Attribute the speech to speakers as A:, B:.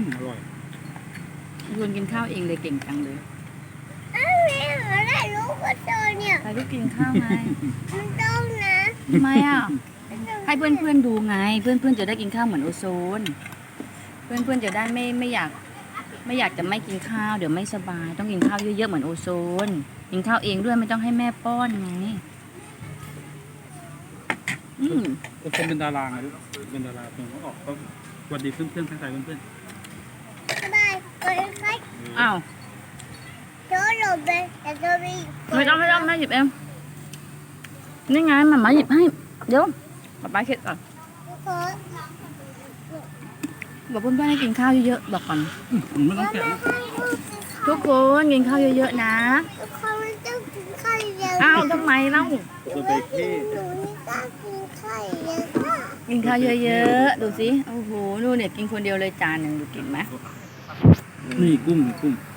A: อร่อย
B: ชวนกินข้าวเองเลยเก่งจังเลย
C: แม่หาได้รู้ก็เจอเนี่ย
B: ใครก็กินข้าวไง
C: มันต้องนะ
B: ทำไมอ่ะให้เพื่อนๆดูไง เพื่อนๆจะได้กินข้าวเหมือนโอโซน เพื่อนๆจะได้ไม่อยากจะไม่กินข้าวเดี๋ยวไม่สบาย ต้องกินข้าวเยอะๆเหมือนโอโซน กินข้าวเองด้วยไม่ต้องให้แม่ป้อนไงอืม
A: โอ้คนเป็นดาราไงลูกเป็นดาราเพิ่งเขาออกก็สวัสดีเพื่อนๆทักทายเพื่อน
C: สบายคนไข้
A: ๆ
B: อ้าว
C: โจหลบเลยแต่โจมี
B: ไม่ต้องแม่หยิบเองนี่ไงหมาหยิบให้เดี๋ยวป๊าเช็ดก่อน
C: คน
B: บอกเพื่อนๆให้กินข้าวเยอะๆบอกก่อน
A: ไม่ต้องแกะ
C: ไม่
A: ลูก
C: ให้ลูกกินข้าว
B: ทุกคนกินข้าวเยอะๆนะ
C: ทุกคนไม่ต้องกินข้าวเยอะ
B: อ้าวทำไมเล่า
A: ตัวเบเก้
C: หนูนี่ก็กินข้าวเยอะค่ะ
B: กินข้าวเยอะๆดูสิโอ้โหดูเนี่ยกินคนเดียวเลยจานหนึ่งดูกินไหม
A: นี่กุ้ง